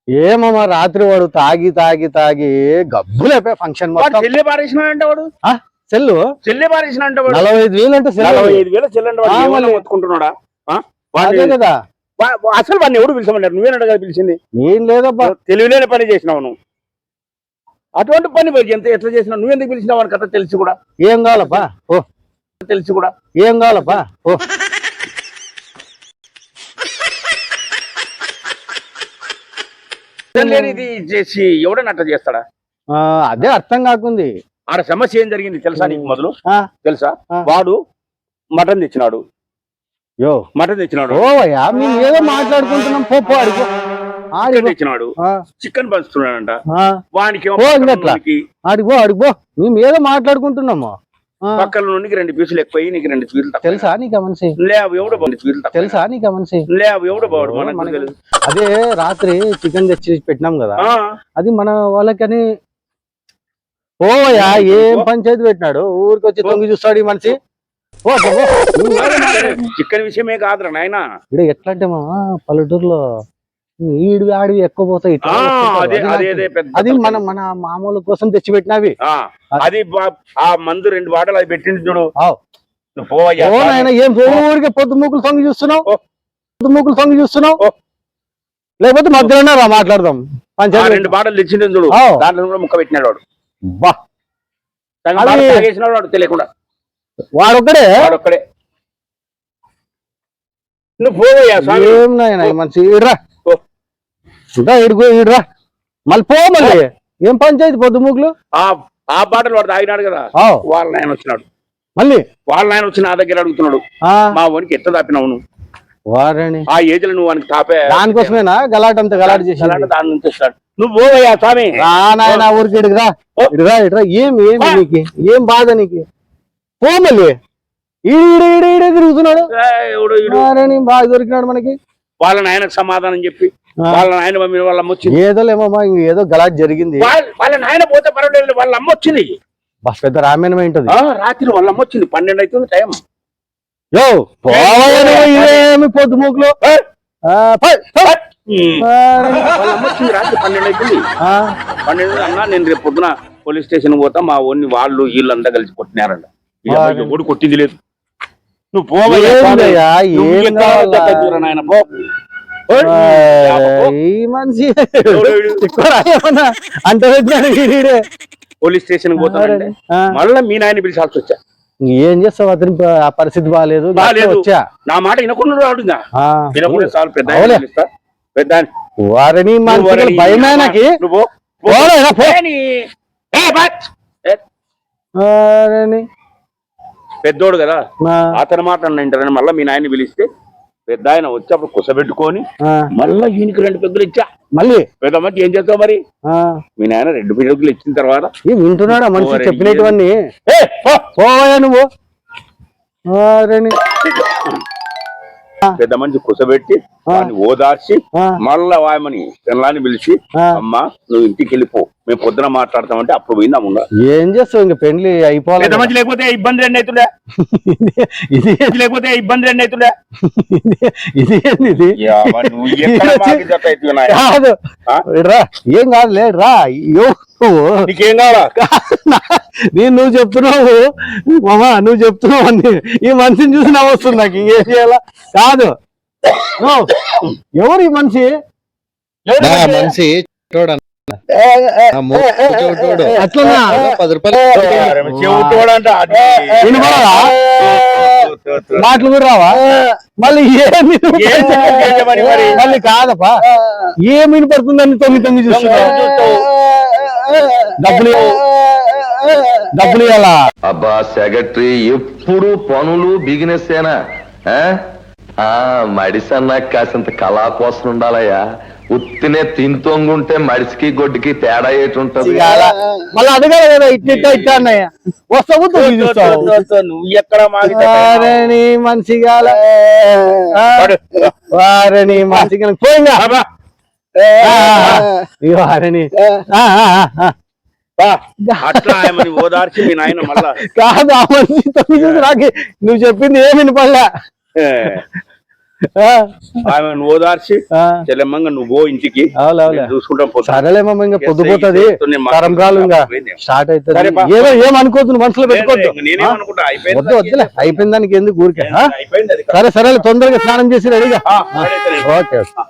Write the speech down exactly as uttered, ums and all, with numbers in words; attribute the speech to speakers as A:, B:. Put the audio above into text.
A: ఏమమ్మా రాత్రి వాడు తాగి తాగి తాగి గబ్బులైపోయి ఫంక్షన్ మొత్తం
B: చెల్లి పారేసిన అంటే వాడు
A: సెల్లు
B: చెల్లి పారేసిన అంటే వాడు
A: నలభై ఐదు వేలు అంటే
B: నలభై ఐదు వేలు చెల్లంటే వాడు మొత్తుకుంటున్నాడా
A: అదే కదా
B: అసలు వాడిని ఎవడు పిలిచామన్నారు నువ్వేనట కదా పిలిచింది
A: ఏం లేదబ్బా
B: తెలివిలేని పని చేసినావు నువ్వు అటువంటి పని ఎంత ఎట్లా చేసినావు నువ్వెందుకు పిలిచినావు అని కథ తెలిసి కూడా
A: ఏం కావాలప్పా ఓ
B: తెలిసి కూడా
A: ఏం కావాలప్పా ఓ
B: ఇది చేసి ఎవడని అట్లా చేస్తాడా
A: అదే అర్థం కాకుంది
B: ఆడ సమస్య ఏం జరిగింది తెలుసా నీకు మొదలు తెలుసా వాడు మటన్ తెచ్చినాడు
A: యో
B: మటన్ తెచ్చినాడు
A: ఓవయ్యా మేము ఏదో మాట్లాడుకుంటున్నాం పోపో అడుగు
B: ఆడి తెచ్చినాడు చికెన్ పంచుతున్నాడంట వానికి
A: అడిగో అడిగో మేము ఏదో మాట్లాడుకుంటున్నాము
B: పక్కల నుండి రెండు పీసులు ఎక్కువ నీకు రెండు పీసులు
A: తెలుసా నీకు మనిషి
B: లేవు ఎవడో పీసులు
A: తెలుసా నీకు మనిషి
B: లేవు ఎవడో బాడు మనకు తెలుసు
A: అదే రాత్రి చికెన్ తెచ్చి పెట్టినాం కదా అది మన వాళ్ళకని ఓయా ఏం పంచాయతీ పెట్టినాడు ఊరికి వచ్చి తొంగి చూస్తాడు ఈ మనిషి
B: చికెన్ విషయమే కాదురా నాయన
A: ఇక్కడ ఎట్లా అంటే మా పల్లెటూరులో ఈడివి ఆడివి ఎక్కువ పోతాయి అది మన మన మామూలు కోసం తెచ్చి పెట్టినవి
B: అది ఆ మందు రెండు బాటలు అది పెట్టింది చూడు
A: ఆయన ఏం ఊరికే పొద్దు మూకులు తొంగి చూస్తున్నావు పొద్దు మూకులు తొంగి చూస్తున్నావు లేకపోతే మధ్యలోనే రా మాట్లాడదాం
B: పంచాయతీ రెండు బాటలు తెచ్చింది చూడు దాంట్లో కూడా ముక్క పెట్టినాడు వాడు
A: బా
B: తాగేసినాడు వాడు తెలియకుండా
A: వాడొక్కడే
B: వాడొక్కడే నువ్వు పోవయ్యా
A: ఏం నాయన మనిషి ఇడ్రా ఇడుకో ఇడ్రా మళ్ళీ పో మళ్ళీ ఏం పంచాయతీ పొద్దు మూకులు
B: ఆ బాటలు వాడు తాగినాడు కదా వాళ్ళ నాయన వచ్చినాడు
A: మళ్ళీ
B: వాళ్ళ నాయన వచ్చి నా దగ్గర అడుగుతున్నాడు మా వానికి ఎట్లా తాపినావు నువ్వు
A: వారని
B: ఆ ఏజ్ లో నువ్వు వానికి తాపే
A: దానికోసమేనా గలాట అంత గలాట చేసి
B: దాని నుంచి వస్తాడు నువ్వు పోవయ్యా స్వామి
A: నాయన ఊరికి ఇడుగురా ఇడురా ఇడ్రా ఏం ఏం నీకు ఏం బాధ నీకు పో మళ్ళీ ఈడు ఈడు ఈడే తిరుగుతున్నాడు బాగా దొరికినాడు మనకి
B: వాళ్ళ నాయనకు సమాధానం చెప్పి వాళ్ళ నాయన మమ్మీ వాళ్ళ అమ్మ వచ్చింది
A: ఏదో లేమమ్మా ఏదో గలాట్ జరిగింది
B: వాళ్ళ నాయన పోతే పర్వాలేదు వాళ్ళ అమ్మ వచ్చింది
A: బస్ పెద్ద రామాయణం ఏంటది
B: రాత్రి వాళ్ళ అమ్మ వచ్చింది పన్నెండు అవుతుంది టైం
A: యో ఏమి పొద్దు మూకులు
B: వాళ్ళ అమ్మ వచ్చింది రాత్రి పన్నెండు అవుతుంది పన్నెండు అన్నా నేను రేపు పొద్దున పోలీస్ స్టేషన్ పోతా మా ఓన్ని వాళ్ళు వీళ్ళంతా కలిసి కొట్టినారంట ఎవడు కొట్టింది లేదు నువ్వు పోవయ్యా ఆయన పో
A: మనిషి అంటే
B: పోలీస్ స్టేషన్ పోతానంటే మళ్ళీ మీ నాయన పిలిచాల్సి వచ్చా
A: ఏం చేస్తావు అతని ఆ పరిస్థితి బాగాలేదు వచ్చా
B: నా మాట వినకుండా రాడుగా వినకుండా చాలు పెద్ద పెద్ద
A: వారిని భయమేనకి
B: పెద్దోడు కదా అతని మాట వింటారని మళ్ళీ మీ నాయన పిలిస్తే పెద్ద ఆయన వచ్చి అప్పుడు కుసబెట్టుకొని మళ్ళీ ఈయనకి రెండు పెద్దలు ఇచ్చా
A: మళ్ళీ
B: పెద్ద మంచి ఏం చేస్తావు మరి మీ నాయన రెండు పెద్దలు ఇచ్చిన తర్వాత
A: వింటున్నాడా మనిషి చెప్పినటువన్నీ పోవా నువ్వు
B: పెద్ద మంచి కుసబెట్టి వాడిని ఓదార్చి మళ్ళా వాయమని పిల్లాన్ని పిలిచి అమ్మా నువ్వు ఇంటికి వెళ్ళిపో మేము పొద్దున మాట్లాడతామంటే అప్పుడు పోయిందా ముందా
A: ఏం చేస్తావు ఇంక పెళ్లి అయిపోవాలి
B: పెద్ద మంచి లేకపోతే ఇబ్బంది రెండు అవుతుండే ఇది లేకపోతే ఇబ్బంది రెండు అవుతుండే
A: ఇది ఏంది కాదు రా ఏం కాదు లేదు రా
B: నీకేం కావాలా
A: నేను నువ్వు చెప్తున్నావు మామా నువ్వు చెప్తున్నావు అని ఈ మనిషిని చూసి నా వస్తుంది నాకు ఇంకేం చేయాలా కాదు ఎవరు ఈ మనిషి
C: మనిషి
A: అట్లా
C: పది రూపాయలు
A: మాటలు కూడా రావా మళ్ళీ ఏమి మళ్ళీ కాదపా ఏమి వినపడుతుందని తొమ్మిది తొమ్మిది చూస్తున్నావు డబ్బులు డబ్బులు ఇవ్వాలా
D: అబ్బా సెక్రటరీ ఎప్పుడు పనులు బిజినెస్ ఏనా మడిసన్న కాసింత కళా కోసం ఉండాలయ్యా ఉత్తినే తింతొంగుంటే మడిసికి గొడ్డుకి తేడా ఏటి ఉంటది
A: మళ్ళీ అడగాలి కదా ఇట్లా ఇట్లా అన్నయ్య వస్తావు
B: నువ్వు ఎక్కడ
A: వారిని మనిషిగా వారిని మనిషిగా పోయిందా వారిని
B: అట్లా ఆయమని ఓదార్చి మీ నాయన మళ్ళా
A: కాదు ఆ మనిషి తొమ్మిది రాకి నువ్వు చెప్పింది ఏమి వినపడలే ఆ,
B: ఆమెను ఓదార్చి
A: ఆ,
B: చెల్లెమ్మంగా నువ్వు పో ఇంటికి
A: అవులే అవులే
B: నేను చూసుకుంటాం పోతా.
A: సరేలేమమ్మ ఇంకా పొద్దుపోతుంది
B: చేస్తూనే మాట్లాడు.
A: తరంబ్రాలు ఇంకా స్టార్ట్ అవుతుంది
B: సరే బా.
A: ఏదో ఏం అనుకోవద్దు నువ్వు మనసులో పెట్టుకోవద్దు
B: లేదు, నేనేమనుకుంటా అయిపోయింది
A: వద్దు వద్దులే అయిపోయిన దానికి ఎందుకు ఊరికే ఆ?
B: అయిపోయింది అది.
A: సరే సరే తొందరగా స్నానం చేసి రెడీగా
B: ఆ, సరే, సరే.
A: Okay okay